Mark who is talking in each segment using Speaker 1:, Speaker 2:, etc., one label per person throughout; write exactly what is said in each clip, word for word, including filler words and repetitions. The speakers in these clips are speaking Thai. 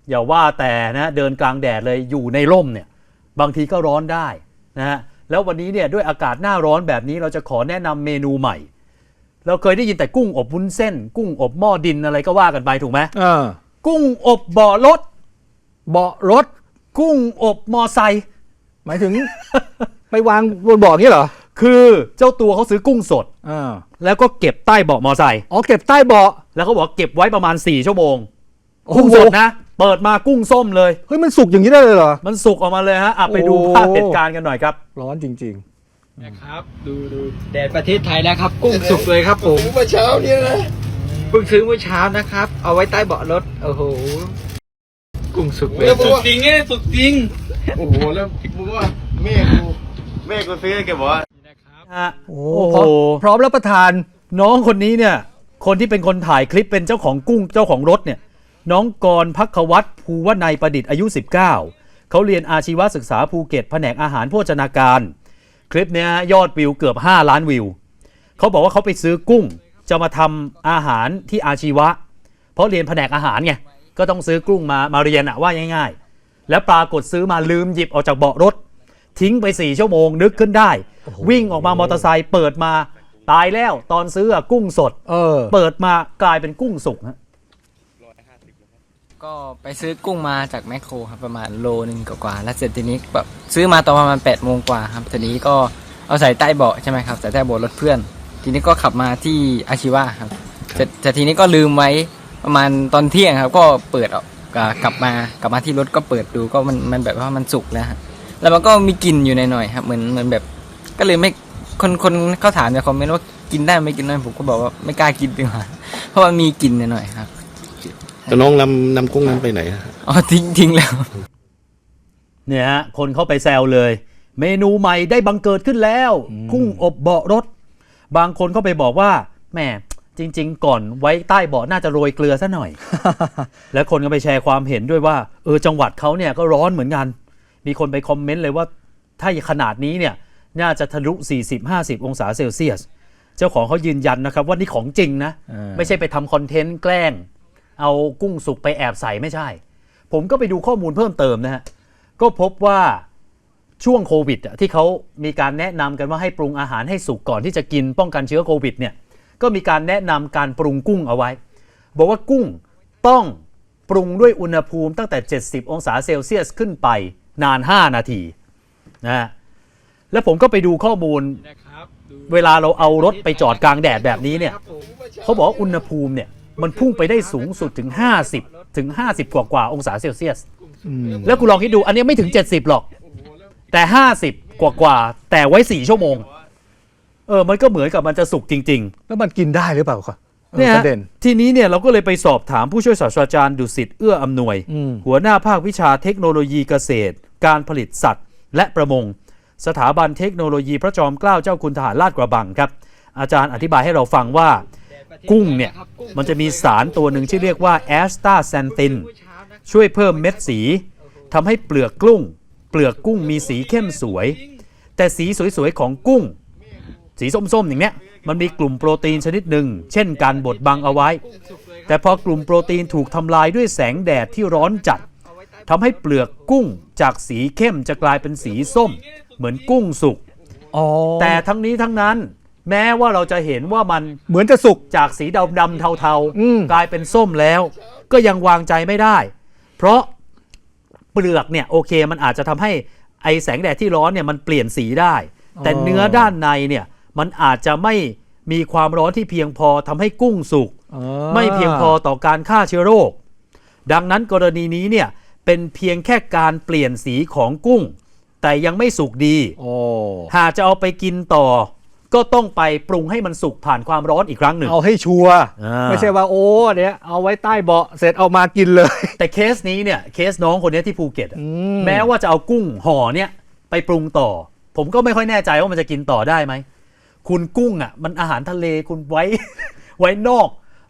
Speaker 1: อย่าว่าแต่นะเดินกลางแดดเลยอยู่ในร่มเนี่ยบางทีก็ร้อนได้นะฮะแล้ววันนี้เนี่ยด้วยอากาศหน้าร้อนแบบนี้เราจะขอแนะนำเมนูใหม่เราเคยได้ยินแต่กุ้งอบวุ้นเส้นกุ้งอบหม้อดินอะไรก็ว่ากันไปถูกไหม
Speaker 2: เออ
Speaker 1: กุ้งอบเบาะรถ
Speaker 2: เบาะรถ
Speaker 1: กุ้งอบมอไซค์
Speaker 2: หมายถึง ไปวางบนเบาะนี้เหรอ
Speaker 1: คือเจ้าตัวเขาซื้อกุ้งสด
Speaker 2: อ่า
Speaker 1: แล้วก็เก็บใต้เบาะมอไซค์
Speaker 2: อ๋อเก็บใต้เบาะ
Speaker 1: แล้วเขาบอกเก็บไว้ประมาณสี่ชั่วโมงกุ้งสดนะเปิดมากุ้งส้มเลย
Speaker 2: เฮ้ยมันสุกอย่างนี้ได้เลยเหรอ
Speaker 1: มันสุกออกมาเลยฮะอ่ะไปดูภาพเหตุการณ์กันหน่อยครับ
Speaker 2: ร้อนจริง
Speaker 3: ๆนะครับดูดูแดดประเทศไทยแล้วครับกุ้งสุกเลยครับผม
Speaker 4: เมื่อเช้าเนี่ยนะ
Speaker 3: เพิ่งซื้อเมื่อเช้านะครับเอาไว้ใต้เบาะรถโอ้โหกุ้งสุกเลย
Speaker 4: สุกจริงไงสุกจริงโอ้โหแล้วมึงว่าแม่กูแม่กูซื้อแกบอกว่า
Speaker 1: นะครับ
Speaker 2: โอ้โหพร้อมรับประทาน
Speaker 1: น้องคนนี้เนี่ยคนที่เป็นคนถ่ายคลิปเป็นเจ้าของกุ้งเจ้าของรถเนี่ยน้องกรภัควัฒน์ภูวนัยประดิษฐ์อายุสิบเก้าเขาเรียนอาชีวศึกษาภูเก็ตแผนกอาหารโภชนาการคลิปนี้ยอดวิวเกือบห้าล้านวิวเขาบอกว่าเขาไปซื้อกุ้งจะมาทำอาหารที่อาชีวะเพราะเรียนแผนกอาหารไงก็ต้องซื้อกุ้งมามาเรียนอะว่าง่ายๆแล้วปรากฏซื้อมาลืมหยิบออกจากเบาะรถทิ้งไปสี่ชั่วโมงนึกขึ้นได้วิ่งออกมามอเตอร์ไซค์เปิดมาตายแล้วตอนซื้อกุ้งสด
Speaker 2: เออ
Speaker 1: เปิดมากลายเป็นกุ้งสุกฮะ
Speaker 5: ก็ไปซื้อกุ้งมาจากแมคโครครับประมาณโลนึงกว่าๆแล้วเสร็จทีนี้แบบซื้อมาตอนประมาณแปดโมงกว่าครับทีนี้ก็เอาใส่ใต้เบาะใช่ไหมครับใส่ใต้เบาะรถเพื่อนทีนี้ก็ขับมาที่อาชีวะครับแต่ทีนี้ก็ลืมไว้ประมาณตอนเที่ยงครับก็เปิดออกกลับมากลับมาที่รถก็เปิดดูก็มันมันแบบว่ามันสุกแล้วแล้วมันก็มีกลิ่นอยู่หน่อยๆครับเหมือนเหมือนแบบก็เลยไม่คนคนเขาถามในคอมเมนต์ว่ากินได้ไม่กินได้ผมก็บอกว่าไม่กล้ากินดีกว่าเพราะว่ามีกลิ่นหน่อยๆครับ
Speaker 4: แต่น้องนำนำกุ้งนั้นไปไหน
Speaker 5: อ๋อทิ้งทิ้งแล้ว
Speaker 1: เนี่ยฮะคนเข้าไปแซวเลยเมนูใหม่ได้บังเกิดขึ้นแล้วกุ้งอบเบาะรถบางคนเข้าไปบอกว่าแหมจริงๆก่อนไว้ใต้เบาะน่าจะโรยเกลือซะหน่อย แล้วคนก็ไปแชร์ความเห็นด้วยว่าเออจังหวัดเขาเนี่ยก็ร้อนเหมือนกันมีคนไปคอมเมนต์เลยว่าถ้าขนาดนี้เนี่ยน่าจะทะลุ สี่สิบห้าสิบ องศาเซลเซียสเจ้าของเขายืนยันนะครับว่านี่ของจริงนะไม่ใช่ไปทำคอนเทนต์แกล้งเอากุ้งสุกไปแอบใส่ไม่ใช่ผมก็ไปดูข้อมูลเพิ่มเติมนะฮะก็พบว่าช่วงโควิดที่เขามีการแนะนำกันว่าให้ปรุงอาหารให้สุกก่อนที่จะกินป้องกันเชื้อโควิดเนี่ยก็มีการแนะนำการปรุงกุ้งเอาไว้บอกว่ากุ้งต้องปรุงด้วยอุณหภูมิตั้งแต่เจ็ดสิบองศาเซลเซียสขึ้นไปนานห้านาทีนะฮะแล้วผมก็ไปดูข้อมูลเวลาเราเอารถไปจอดกลางแดดแบบนี้เนี่ยเขาบอกว่าอุณหภูมิเนี่ยมันพุ่งไปได้สูงสุดถึงห้าสิบถึงห้าสิบกว่ากว่าองศาเซลเซียสแล้วคุณลองคิดดูอันนี้ไม่ถึงเจ็ดสิบหรอกแต่ห้าสิบกว่ากว่าแต่ไว้สี่ชั่วโมงเออมันก็เหมือนกับมันจะสุกจริง
Speaker 2: ๆแล้วมันกินได้หรือเปล่าครับ
Speaker 1: เนี่ยทีนี้เนี่ยเราก็เลยไปสอบถามผู้ช่วยศาสตราจารย์ดุสิตเอื้ออำนวยหัวหน้าภาควิชาเทคโนโลยีเกษตรการผลิตสัตว์และประมงสถาบันเทคโนโลยีพระจอมเกล้าเจ้าคุณทหารลาดกระบังครับอาจารย์อธิบายให้เราฟังว่ากุ้งเนี่ยมันจะมีสารตัวหนึ่งที่เรียกว่าแอสตาแซนตินช่วยเพิ่มเม็ดสีทำให้เปลือกกุ้งเปลือกกุ้งมีสีเข้มสวยแต่สีสวยๆของกุ้งสีส้มๆอย่างเนี้ยมันมีกลุ่มโปรตีนชนิดหนึ่งเช่นการบดบังเอาไว้แต่พอกลุ่มโปรตีนถูกทำลายด้วยแสงแดดที่ร้อนจัดทำให้เปลือกกุ้งจากสีเข้มจะกลายเป็นสีส้มเหมือนกุ้งสุกแต่ทั้งนี้ทั้งนั้นแม้ว่าเราจะเห็นว่ามัน
Speaker 2: เหมือนจะสุก
Speaker 1: จากสีดำดำเทาๆกลายเป็นส้มแล้วก็ยังวางใจไม่ได้เพราะเปลือกเนี่ยโอเคมันอาจจะทำให้ไอแสงแดดที่ร้อนเนี่ยมันเปลี่ยนสีได้แต่เนื้อด้านในเนี่ยมันอาจจะไม่มีความร้อนที่เพียงพอทำให้กุ้งสุกไม่เพียงพอต่อการฆ่าเชื้อโรคดังนั้นกรณีนี้เนี่ยเป็นเพียงแค่การเปลี่ยนสีของกุ้งแต่ยังไม่สุกดีหากจะเอาไปกินต่อก็ต้องไปปรุงให้มันสุกผ่านความร้อนอีกครั้งหนึ่ง
Speaker 2: เอาให้ชัวร์ไม่ใช่ว่าโอ้เนี่ยเอาไว้ใต้เบาะเสร็จเอามากินเลย
Speaker 1: แต่เคสนี้เนี่ยเคสน้องคนนี้ที่ภูเก็ตแม้ว่าจะเอากุ้งห่อเนี่ยไปปรุงต่อผมก็ไม่ค่อยแน่ใจว่ามันจะกินต่อได้ไหมคุณกุ้งอ่ะมันอาหารทะเลคุณไว้ไว้นอก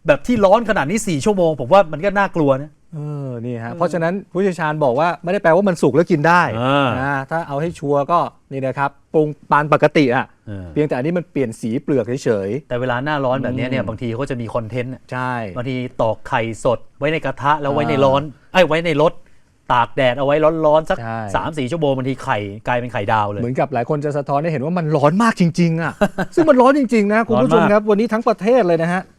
Speaker 1: แบบที่ร้อนขนาดนี้สี่ชั่วโมงผมว่ามันก็น่ากลัวนะ
Speaker 2: เออนี่ฮะเพราะฉะนั้นผู้เชี่ยวชาญบอกว่าไม่ได้แปลว่ามันสุกแล้วกินได้
Speaker 1: อ่า
Speaker 2: นะถ้าเอาให้ชัวร์ก็นี่นะครับปรุงปานปกติอ่ะ
Speaker 1: เออ
Speaker 2: เพียงแต่อันนี้มันเปลี่ยนสีเปลือกเฉย
Speaker 1: แต่เวลาหน้าร้อนแบบนี้เนี่ย
Speaker 2: อืม
Speaker 1: บางทีเขาจะมีคอนเทนต์อะ
Speaker 2: ๆใช่
Speaker 1: บางทีตอกไข่สดไว้ในกระทะแล้วไว้ใน
Speaker 2: อ่า
Speaker 1: ร้อนไอ้ยไว้ในรถตากแดดเอาไว้ร้อนๆสัก
Speaker 2: ใช่
Speaker 1: สามสี่ชั่วโมงบางทีไข่กลายเป็นไข่ดาวเลย
Speaker 2: เหมือนกับหลายคนจะสะท้อนให้เห็นว่ามันร้อนมากจริงๆอ่ะ ซึ่งมันร้อนจริงๆนะคุณผู้ชม
Speaker 1: ร้อนมาก
Speaker 2: ครับวันนี้ทั้งประเทศเลยนะฮะ